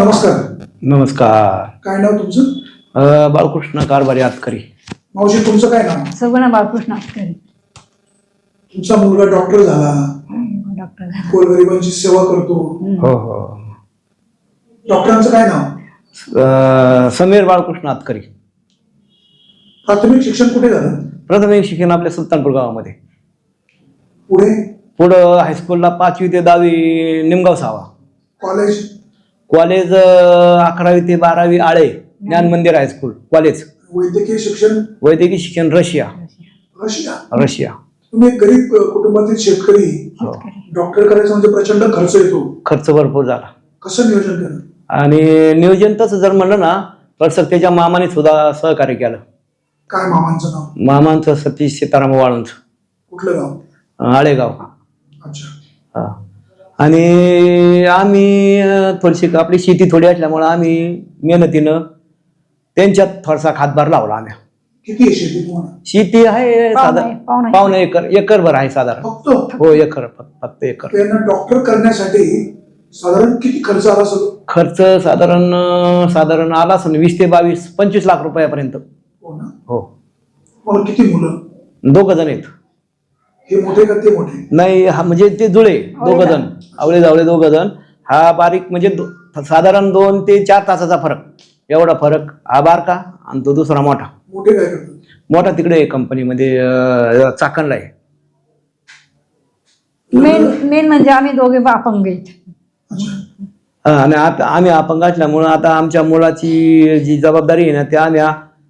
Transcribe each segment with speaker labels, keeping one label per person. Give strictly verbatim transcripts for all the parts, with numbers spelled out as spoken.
Speaker 1: नमस्कार.
Speaker 2: नमस्कार.
Speaker 1: काय नाव तुमचं?
Speaker 2: अ, बाळकृष्ण कारभारी आतकरी.
Speaker 1: मावशी तुमचं काय नाव?
Speaker 3: सगुणा बाळकृष्ण आतकरी.
Speaker 1: तुमचा मुलगा डॉक्टर झाला,
Speaker 3: डॉक्टर झाला,
Speaker 1: गोरगरिबांची सेवा करतो.
Speaker 2: हो हो.
Speaker 1: डॉक्टरांचं काय नाव?
Speaker 2: अ, समीर बाळकृष्ण आतकरी.
Speaker 1: प्राथमिक शिक्षण कुठे झालं?
Speaker 2: प्राथमिक शिक्षण आपल्या सुलतानपूर गावामध्ये.
Speaker 1: पुढे
Speaker 2: पुढं हायस्कूलला पाचवी ते दहावी निमगाव सावा.
Speaker 1: कॉलेज?
Speaker 2: कॉलेज अ, अकरावी ते बारावी आळे ज्ञान मंदिर हायस्कूल कॉलेज.
Speaker 1: वैद्यकीय शिक्षण?
Speaker 2: वैद्यकीय शिक्षण रशिया.
Speaker 1: रशिया?
Speaker 2: रशिया.
Speaker 1: तुम्ही एक गरीब अ, कुटुंबातील शेतकरी,
Speaker 2: हो.
Speaker 1: डॉक्टर करायचं म्हणजे प्रचंड खर्च येतो.
Speaker 2: खर्च भरपूर झाला.
Speaker 1: कसं नियोजन केलं?
Speaker 2: आणि नियोजन तसं जर म्हणलं ना तर सत्याच्या मामाने सुद्धा सहकार्य केलं.
Speaker 1: काय मामांचं नाव?
Speaker 2: मामांचं सतीश सीताराम वाळूंच,
Speaker 1: कुठलं गाव?
Speaker 2: आळेगाव.
Speaker 1: अच्छा.
Speaker 2: हा. आणि आम्ही अ, थोडीशी आपली शेती थोडी असल्यामुळं आम्ही मेहनतीनं त्यांच्यात थोडासा हातभार लावला आम्ही.
Speaker 1: किती आहे शेती तुम्हाला?
Speaker 2: शेती आहे
Speaker 3: पावणे-
Speaker 2: साधारण
Speaker 3: पावणे-
Speaker 2: पावणे एकर एकरभर आहे साधारण.
Speaker 1: फक्त?
Speaker 2: हो एकर फक्त फक्त एकर.
Speaker 1: त्यांना डॉक्टर करण्यासाठी साधारण किती खर्च आला असेल?
Speaker 2: खर्च साधारण अ, साधारण आला असेल वीस ते बावीस पंचवीस लाख रुपयापर्यंत.
Speaker 1: हो ना.
Speaker 2: हो.
Speaker 1: मग किती मुलं?
Speaker 2: दोघ जण आहेत.
Speaker 1: हे मोठे का ते मोठे?
Speaker 2: नाही हा म्हणजे ते जुळे दोघ जण, आवळे जावळे दोघ जण. हा बारीक म्हणजे दो- साधारण दोन ते चार तासाचा फरक, एवढा फरक. हा बारका आणि तो दुसरा मोठा.
Speaker 1: मोठे काय करतात?
Speaker 2: मोठा तिकडे कंपनीमध्ये अ, चाकणला आहे.
Speaker 3: मेन मेन म्हणजे आम्ही दोघे अपंग आहेत.
Speaker 1: अच्छा.
Speaker 2: हा, आणि आता आम्ही अपंग असल्यामुळं आता आमच्या मुलाची जी जबाबदारी आहे ना ते आम्ही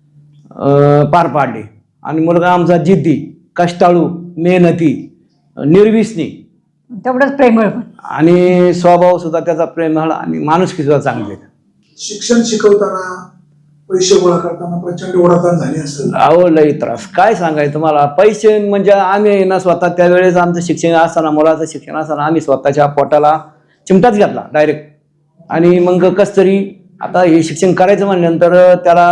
Speaker 2: अ, पार पाडली. आणि मुलगा आमचा जिद्दी, कष्टाळू, मेहनती, निर्विसनी
Speaker 3: तेवढंच प्रेमळ पण.
Speaker 2: आणि स्वभाव सुद्धा त्याचा प्रेमळ आणि माणुसकी सुद्धा चांगली.
Speaker 1: शिक्षण शिकवताना पैसे गोळा करताना प्रचंड ओढाताण झाली असेल.
Speaker 2: अहो लई त्रास, काय सांगायचं तुम्हाला. पैसे म्हणजे आम्ही ना स्वतः त्यावेळेस आमचं शिक्षण असताना, मुलाचं शिक्षण असताना आम्ही स्वतःच्या पोटाला चिमटाच घातला डायरेक्ट. आणि मग कस तरी आता हे शिक्षण करायचं म्हणल्यानंतर त्याला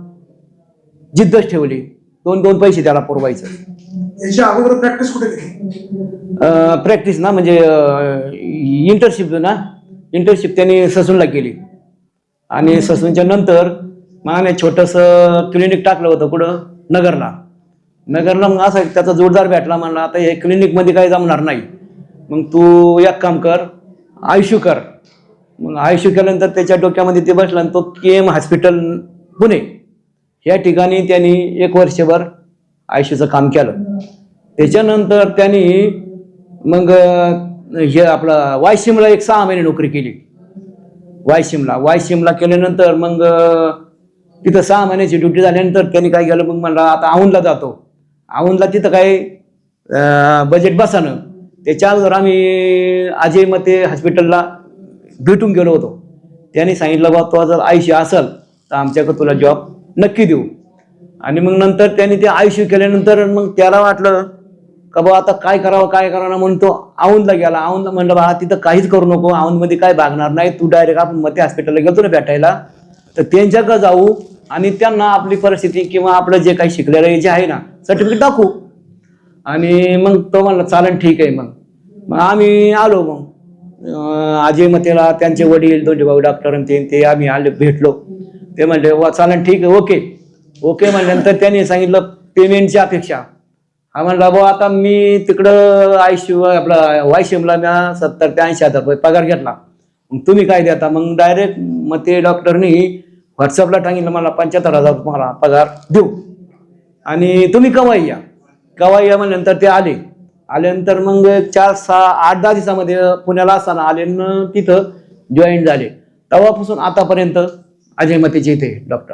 Speaker 2: जिद्दच ठेवली. दोन दोन पैसे त्याला पुरवायचं.
Speaker 1: याच्या अगोदर प्रॅक्टिस कुठे केली?
Speaker 2: प्रॅक्टिस ना म्हणजे इंटर्नशिप ना इंटर्नशिप त्यांनी ससूनला केली. आणि ससूनच्या नंतर मग आम्ही छोटंसं क्लिनिक टाकलं होतं कुठं नगरला. नगरला मग असा त्याचा जोरदार भेटला. म्हणला आता हे क्लिनिकमध्ये काही जमणार नाही, मग तू एक काम कर, आयशू कर. मग आयशू केल्यानंतर त्याच्या डोक्यामध्ये ते बसला आणि तो के एम हॉस्पिटल पुणे या ठिकाणी त्यांनी एक वर्षभर आयशूचं काम केलं. त्याच्यानंतर त्यांनी मग हे आपलं वायसिमला एक सहा महिने नोकरी केली. वायसिमला वायसिमला केल्यानंतर मग तिथं सहा महिन्याची ड्युटी झाल्यानंतर त्यांनी काय केलं, मग म्हणला आता औंधला जातो. औंधला तिथं काय बजेट बसानं त्याच्या अगोदर आम्ही अजय मते हॉस्पिटलला भेटून गेलो होतो. त्यांनी सांगितलं बा तो जर आयशी असेल तर आमच्याकडे तुला जॉब नक्की देऊ. आणि मग नंतर त्यांनी ते आयशी केल्यानंतर मग त्याला वाटलं का बा आता काय करावं काय करावं ना, म्हणून तो औंधला गेला. औंधला म्हणलं बा तिथं काहीच करू नको, औंधमध्ये काय भागणार नाही, तू डायरेक्ट आपण मते हॉस्पिटलला गेलो ना भेटायला, तर त्यांच्याकडे जाऊ आणि त्यांना आपली परिस्थिती किंवा आपलं जे काही शिकलेलं जे आहे ना सर्टिफिकेट दाखवू. आणि मग तो म्हणला चालेल ठीक आहे. मग मग आम्ही आलो. मग अजय मतेला त्यांचे वडील दोन्ही भाऊ डॉक्टर ते ते आम्ही आले भेटलो. ते म्हणले वा चालेल ठीक आहे ओके ओके म्हणल्यानंतर त्यांनी सांगितलं पेमेंटची अपेक्षा. हा म्हणला भाऊ आता मी तिकडं आयशिव आपला वायशिमला मी सत्तर ते ऐंशी हजार रुपये पगार घेतला, मग तुम्ही काय देता. मग डायरेक्ट मग ते डॉक्टरनी व्हॉट्सअपला सांगितलं मला पंच्याहत्तर हजार तुम्हाला पगार देऊ आणि तुम्ही कवाई या कवाई या म्हणल्यानंतर ते आले. आल्यानंतर मग चार सहा आठ दहा दिवसामध्ये पुण्याला असताना आले तिथं जॉईन झाले. तेव्हापासून आतापर्यंत अजय मतेचे इथे डॉक्टर.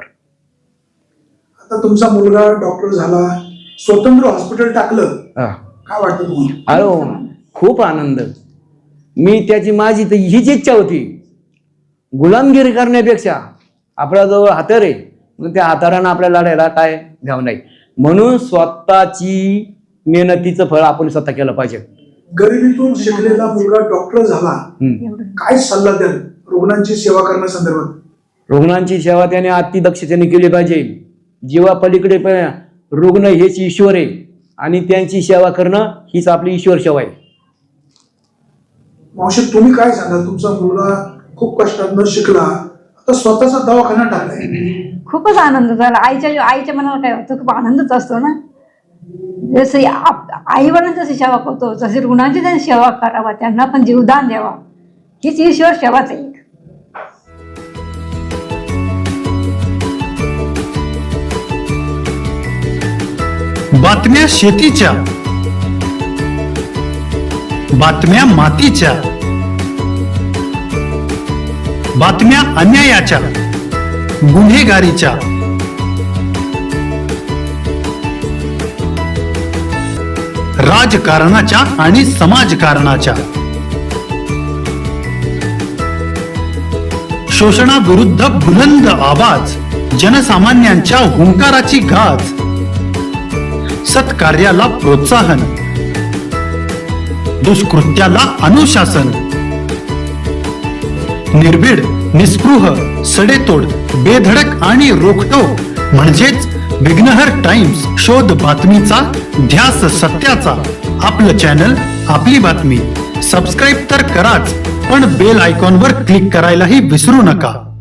Speaker 1: आता तुमचा मुलगा डॉक्टर झाला, स्वतंत्र हॉस्पिटल टाकलं, काय वाटतं तुम्हाला?
Speaker 2: अरे खूप आनंद. मी त्याची माझी तर हीच इच्छा होती, गुलामगिरी करण्यापेक्षा आपला जो हातर आहे मग त्या हातारानं आपल्याला लढायला काय घ्याव नाही. म्हणून स्वतःची मेहनतीचं फळ आपण स्वतः केलं पाहिजे.
Speaker 1: गरिबीतून शिकलेला मुलगा डॉक्टर झाला, काय सल्ला द्याल रुग्णांची सेवा करण्यासंदर्भात?
Speaker 2: रुग्णांची सेवा त्याने अतिदक्षतेने केली पाहिजे. जीवा पलीकडे रुग्ण हेच ईश्वर आहे आणि त्यांची सेवा करणं हीच आपली ईश्वर सेवा आहे.
Speaker 1: मावशी तुम्ही काय सांगाल? तुमचा मुलगा खूप कष्टातनं शिकला, आता स्वतःचा दवाखाना टाकलाय.
Speaker 3: खूपच आनंद झाला. आईच्या आईच्या मनाला काय होतं, खूप आनंदच असतो ना. जसं आई वडिलांची जशी सेवा करतो तशी रुग्णांची त्यांनी सेवा करावा, त्यांना पण जीवदान द्यावा, हीच ईश्वर सेवाच आहे.
Speaker 4: बातम्या शेतीच्या, बातम्या मातीच्या, बातम्या अन्यायाच्या, गुन्हेगारीच्या, राजकारणाच्या आणि समाजकारणाच्या, शोषणाविरुद्ध बुलंद आवाज, जनसामान्यांच्या हुंकाराची गाज, सत्कार्याला प्रोत्साहन, दुष्कृत्याला अनुशासन, निर्भीड, निस्पृह, सडेतोड, बेधडक आणि रोखटोक म्हणजेच विघ्नहर टाइम्स. शोध बातमीचा, ध्यास सत्याचा. आपलं चॅनल, आपली बातमी. सबस्क्राईब तर कराच, पण बेल आयकॉनवर क्लिक करायलाही विसरू नका.